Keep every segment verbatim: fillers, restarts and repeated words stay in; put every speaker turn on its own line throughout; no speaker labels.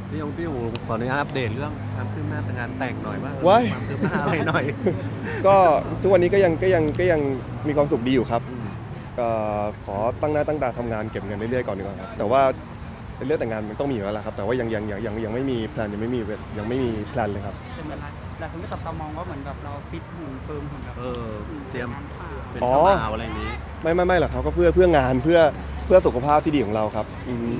พี่ยงพี่อูขออนุญาตอัปเดตเรื่องความคืบหน้าแต่งงานแต่งหน่อยว่า
ว้าย
ความคืบหน้าอะไรหน่อย
ก็ทุกวันนี้ก็ยังก็ยังก็ยังมีความสุขดีอยู่ครับ
อืม
ก็ขอตั้งหน้าตั้งตาทำงานเก็บเงินเรื่อยๆก่อนดีกว่าครับแต่ว่าเรื่องแต่งงานมันต้องมีอยู่แล้วละครับแต่ว่ายังยังยังยังยังไม่มีแพลนยังไม่มียังไม่มีแพลนเลยครับ
เป็นเหมือนหลายคนก็จับตามองว่าเหมือนแบบเราฟิตหุ่นเฟิร์มหุ่นแบบ
เออเตรียม
งานเปล่า
เป็น
อ๋อ
เจ้าบ่าวอะไรอย่างนี้
ไม่ไม่ไม่หรอกครับก็เพื่อเพื่องานเพื่อเพื่อสุขภาพที่ดีของเราครับอืม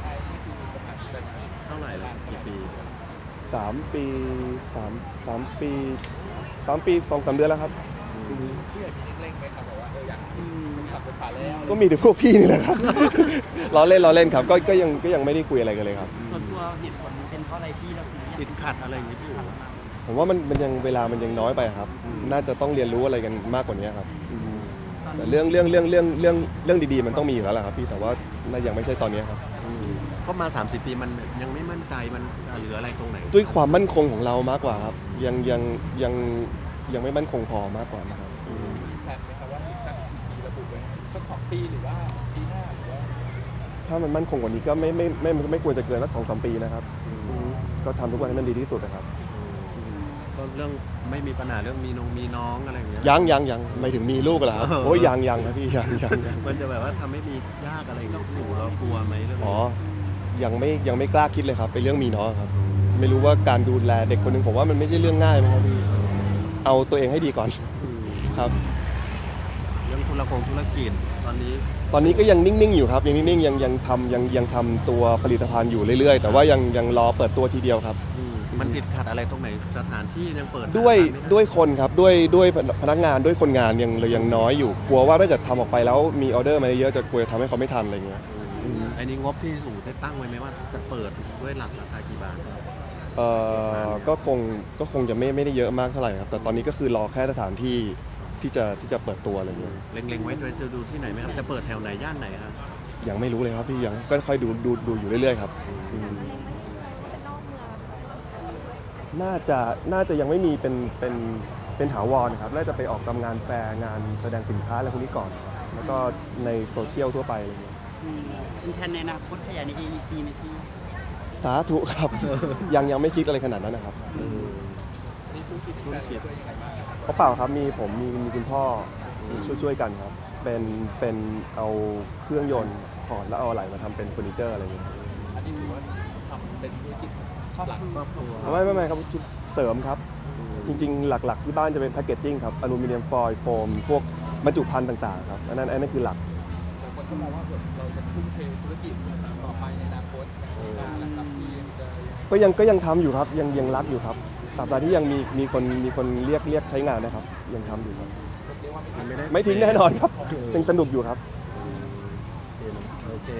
เท่าไหร่ละกี่ปี
สามปีสามสามปีสามปีสองสามเดือนแล้วครับอืม
อืม
ก็มีแต่พวกพี่นี่แหละครับ ล้อเล่นล้อเล่นครับก็ก็ยังก็ยังไม่ได้คุยอะไรกันเลยครับ
ส่วนตัวเหตุผลเป็นเพราะอะไรพี่เราถึงอยาก
ติดขัดอะไรอย่างนี้พี่อู
ผมว่ามันมันยังเวลามันยังน้อยไปครับ
อืม
น่าจะต้องเรียนรู้อะไรกันมากกว่านี้ครับอืม
ตอน
แต่
นี้
เรื่องเรื่องเรื่องเรื่องเรื่องเรื่องดีๆมันต้องมีอยู่แล้วแหละครับพี่แต่ว่าน่ายังไม่ใช่ตอนนี้ครับ
อืมเข้ามาสามสิบปีมันยังไม่มั่นใจมันเหลืออะไรตรงไหน
ด้วยความมั่นคงของเรามากกว่าครับยังยังยังยังไม่มั่นคงพอมากกว่านะครับ
มีแผนไหมครับว่าอีกสักกี่ปีระบุไว้สักสองปีหรือว่าปีหน้าหรือว่า
ถ้ามันมั่นคงกว่านี้ก็ไม่ไม่ไม่ไม่ไม่ควรจะเกินสักสองสามปีนะครับอืมก็ทำทุกวันให้มันดีที่สุดนะครับ
ก็เรื่องไม่มีปัญหาเรื่องมีน้องมีน้องอะไรอย่างเงี้ย
ยังยังยังไม่ถึงมีลูกเหรอครับ
เออ
โอ้ยยังยังนะพี่ยังยังยัง
มันจะแบบว่าทำให้มียากอะไรอย่างเงี้ยพี่อูเรากลัวไหมเรื่อง
อ๋
นี้
อยังไม่ยังไม่กล้าคิดเลยครับเป็นเรื่องมีน้องครับ ไม่รู้ว่าการดูแลเด็กคนหนึ่งผมว่ามันไม่ใช่เรื่องง่ายนะครับพี่เอาตัวเองให้ดีก่อน ครับ
เรื่องธุรกงธุรกิจตอนนี้
ตอนนี้ก็ยังนิ่งๆอยู่ครับยังนิ่งๆยังยังทำยังยังทำตัวผลิตภัณฑ์อยู่เรื่อยๆ แต่ว่ายังยังรอเปิดตัวทีเดียวครับ
มันติดขัดอะไรตรงไหนสถานที่ยังเปิด
ด้วย
ร้านไม่ไ
ด้วยคนครับด้วยด้วยพนักงานด้วยคนงานยังเลยยังน้อยอยู่กลัวว่าถ้าเกิดทำออกไปแล้วมีออเดอร์มาเยอะจะกลัวทำให้เขาไม่ทันอะไรเงี้ย
อืมอันนี้งบที่อูได้ตั้งไว้ไหมว่าจะเปิดด้วยหลักราคากี่บาท
เอ่อก็คงก็คงจะไม่ไม่ได้เยอะมากเท่าไหร่ครับแต่ตอนนี้ก็คือรอแค่สถานที่ที่จะที่จะเปิดตัวอะไรเงี้ย
เล็งๆไว้จะจะดูที่ไหนไหมครับจะเปิดแถวไหนย่านไหนครับ
ยังไม่รู้เลยครับพี่ยังก็ค่อยดูดูดูอยู่เรื่อยๆครับอืมน่าจะน่าจะยังไม่มีเป็นเป็นเป็นถาวรนะครับน่าจะไปออกตามงานแฟร์งานแสดงสินค้าอะไรพวกนี้ก่อน แล้วก็ในโซเชียลทั่วไปอะไรเงี้ย
อืมเป็นแผนในอนาคตขยายใน เอ อี ซี ไหมพี่
สาธุครับ ยังยังไม่คิดอะไรขนาดนั้นนะครับ
มีธุรกิจที่แฟนช่วยยังไงบ้างครับ
เพราะเปล่าครับมีผมมีมีคุณพ่อช่วยช่วยกันครับเป็นเป็นเอาเครื่องยนต์ถอดแล้วเอาอะไรมาทำเป็นเฟอร์นิเจอร์อะไรอย่างเงี้ย
อันนี้ถือว่าทำเป็นธุรกิจ
ครอบ
หลัก
ครัว
ครอบครัว
ไม่ไม่ไม่ครับชุดเสริมครับ จริงๆ หลักๆที่บ้านจะเป็นแพคเกจจิ้งครับอลูมิเนียมฟอยล์โฟมพวกบรรจุภัณฑ์ต่างๆครับอันนั้นอันนั้นคือหลัก
แต่คนก็มองว่าแบบเราจะทุ่มเทธุรกิจต่อไปในอนาคตงานและครับที่จะยังไง
ก็ยังก็ยังทำอยู่ครับยังยังรักอยู่ครับตราบใดที่ยังมีมีคนมีคนเรียกเรียกใช้งานนะครับยังทำอยู่ครับ
เรียกว่าไม่
มันไม่ได้
ไม่ทิ้งแน่นอนครับยังสนุกอยู่ครับ
ถ